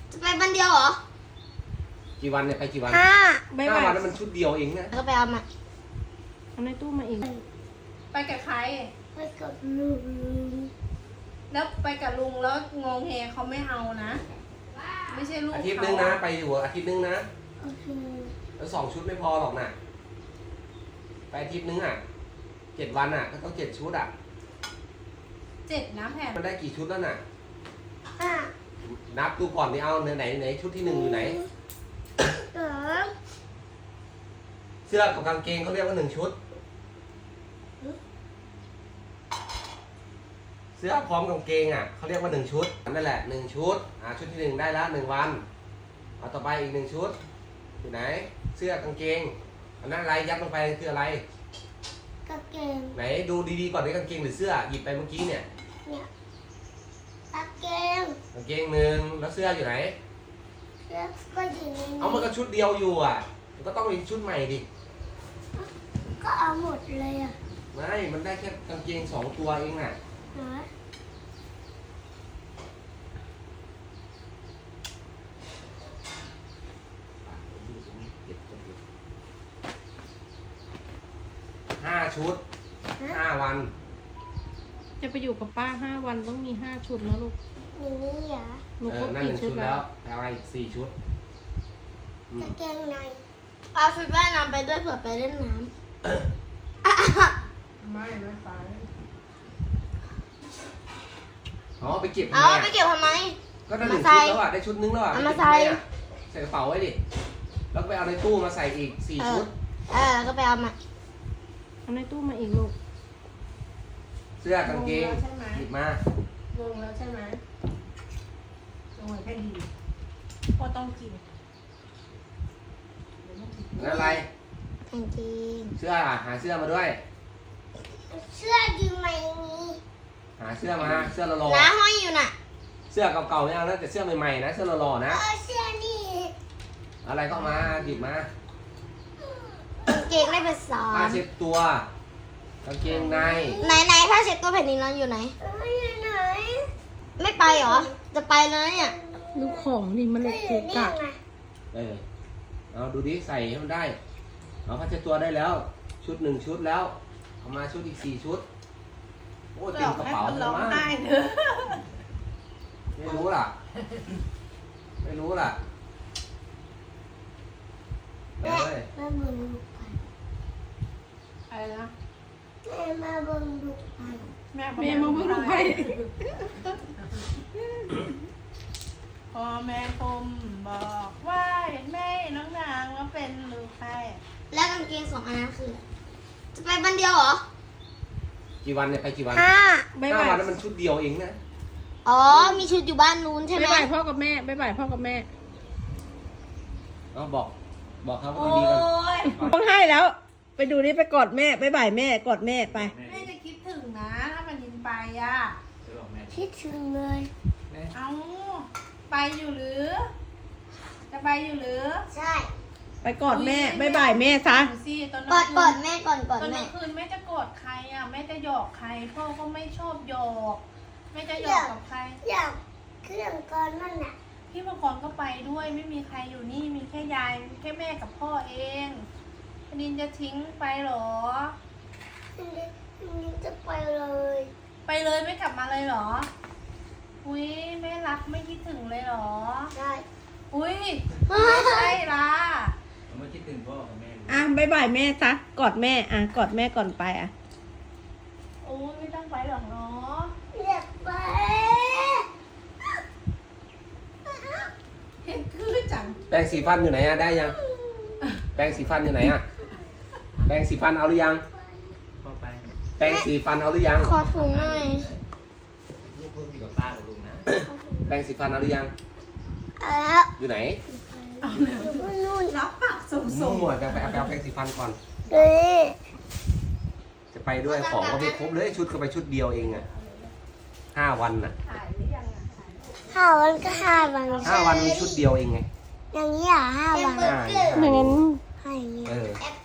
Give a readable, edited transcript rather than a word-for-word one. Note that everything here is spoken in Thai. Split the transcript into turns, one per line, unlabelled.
จะไปวันเดียวเหรอ
กี่วันเนี่ยไปกี่วัน
5
วันนั้นมันชุดเดียวเองนะ
ก็ไปเอามา
เอาในตู้มาอีก
ไปกับใคร
ไปกับลุง
แล้วไปกับลุงแล้วงงเฮเขาไม่เอานะ ไม่ใช่ลูก
อาทิตย์
เขา
นึงนะไปอยู่อาทิตย์นึงนะ
โอเค
แล้ว2 ชุดไม่พอหรอกนะไปอาทิตย์นึงอ่ะ7 วันอ่ะก็ต้อง7 ชุดอ่ะ
7นะแผ่น
มันได้กี่ชุดแล้วน่ะ
5
นับดูก่อนนี่เอาไหนชุดที่ 1อยู่ไหน
2
เสื้อกับกางเกงเขาเรียกว่า1 ชุด เสื้อพร้อมกางเกงอ่ะเขาเรียกว่า1 ชุดนั่นแหละ1 ชุดชุดที่ 1ได้แล้ว1 วันเอาต่อไปอีก1 ชุดอยู่ไหน เสื้อกางเกงอันนั้นอะไรยัดลงไปคืออะไร
กางเกง
ไหนดูดีๆก่อนนี่กางเกงหรือเสื้อหยิบไปเมื่อกี้เนี่ย
เนี่ยกางเกง
กางเกง1แล้วเสื้ออยู่ไหน
แล้วก็อยู่ในนี้
เอามันก็ชุดเดียวอยู่อ่ะมันก็ต้องมีชุดใหม่ดิ
ก็เอาหมดเลยอ่ะ
ไม่มันได้แค่กางเกง2 ตัวเองอ่ะ
นะ
5 ชุด 5 วัน
จะไปอยู่กับป้า5 วันต้องมี5 ชุดนะลูก
อย่างนี้เหรอ
หนูครบ
นั่น
กี่
1
ชุ
ชุ
ด
ด
แล้
แล้ว วเอาอะไรอีก4 ชุด
กางเกงในเอาชุดว่ายน้ำไปด้วยเผื่อไปเล่นน้
ไม่ไป
อ๋อไปเก็บ
ำ
ทำ
เอา
ไม
ไป
อ่ะ
เก็บทำไม
ก็ได้ 1 ชุด
มาใส่
แล้วอ่ะได้ชุดนึงแล้วอ่ะ
เอามา
ไปเก็บทำไ
ใส่
อ่ะใส่กระเป๋าไว้ดิแล้วไปเอาในตู้มาใส่อีก4 ชุด
แล้วก็ไปเอามา
เอาในตู้มาอีกลูก
เสื้อกางเกงหยิบมาง
งแล้วใช่ไหมงงแค่ดีพ่อต้องกิน
แล้วอะไร
กางเกง
เสื้อหาเสื้อมาด้วย
เสื้อยืมมาอย่างนี้
หาเสื้อมาเสื้อหล่อ
น้าห้อยอยู่น่ะ
ๆเสื้อเก่าๆไม่เอานะแต่เสื้อใหม่ๆนะเสื้อหล่อๆนะ
เสื้อนี่
อะไรก็เอามาหยิบมาก
างเกงได้ไปสอ
ผ้าน เช็ดตัวกางเกงใน
ไหนผ้าเช็ดตัวแผ่นดินนั้นอยู่ไหนอยู่ไหน ไม่ไปเหรอ จะไปแล้วเนี่ย
ลูกของนี่มันเลยเกะกะ
เอาดูดิใส่ให้มันได้เอาผ้าเช็ดตัวได้แล้ว ชุด1 ชุดแล้วเอามาชุดอีก4 ชุดโอ้เต็มกระเป๋า
ให้
เล
ร้
ย
อง
มั้ง
ไห้เถอะ
ไม่รู้ล่ะไม่รู้ล่ะเอ้ย
มาเบิ่งลูกไป
อะไรนะ
แม่มาเบิ่งลูกไป
แม่
แม่มาเพิ่งไป
พอแม่คมบอกว่าเห็นแม่น้องนางว่าเป็นลูกใคร
แล้วกางเกง2 อันนั้นคือ จะไปวันเดียวเหรอ
กี่วันเนี่ยไปกี่วัน
บ๊าย
5
บาย
วันนั้นมันชุดเดียวเองนะ
อ๋อ มีชุดอยู่บ้านนู้นใช่ไหม
บ๊ายบายพ่อกับแม่บ๊ายบายพ่อกับแม่
เอาบอกเขาว่าดีๆกัน
ย
ต้องให้แล้ว ไปดูนี่ไปกอดแม่บ๊ายบายแม่กอดแม่ไป
แม่จะคิดถึงนะ ถ้ามันยินไปอ่ะ
คิดถึงเลย
เอาไปอยู่หรือ จะไปอยู่หรือ
ใช่
ไปกอดแม่บ๊ายบายแม่ซะ
ดูสิตอน
กอด
คื
กอดแม่ก่อนกอด
ตอน
แม่
กลางคืนแม่จะโกรธใครอ่ะแม่จะหยอกใครพ่อก็ไม่ชอบหยอกแม่จะหยอกกับใคร
อยากเครื่องก่อนนั่นน่ะ
พี่ประกรณ์ก็ไปด้วยไม่มีใครอยู่นี่มีแค่ยายมีแค่แม่กับพ่อเองพนินจะทิ้งไปเหรอ
นี่จะไปเลย
ไปเลยไม่กลับมาเลยเหรออุ้ยแม่รักไม่คิดถึงเลยเหรอ
ได้
อุ้ยไม่ใช่ล่ะ
ไม่คิดถึงพ่อกับแม่
อ่ะบ๊ายบายแม่ซะกอดแม่อ่ะกอดแม่ก่อนไปอ่ะ
โอ้ยไม่ต้องไปหรอกเนาะ
อยากไป
เห็นคือจัง
แปรงสีฟันอยู่ไหนอะได้ยัง แปรงสีฟันอยู่ไหนอะแปรงสีฟันเอาหรือยัง
พ่อไป
แปรงสีฟันเอาหรือยัง
ขอถุงหน่อย
ลูกเพิ่งอยู่กับป้ากับลุงนะ
แปรงสีฟันเอาหรือยัง
แล้ว
อยู่ไหน
นู่น
รับปากสม
มั่วจะไปเอาแปรงสีฟันก่อน
เลย
จะไปด้วยของก็ไม่ครบเลยชุดก็ไปชุดเดียวเองอะ5 วันน่ะ
ถ่ายหรือยังอ่ะ
5 วันก็5 วัน
5 วันมีชุดเดียวเองไง
อย่างนี้เหรอ5 วัน
ใช่
อย่างนั้น
ให้อย่างนี้
เออ
แอป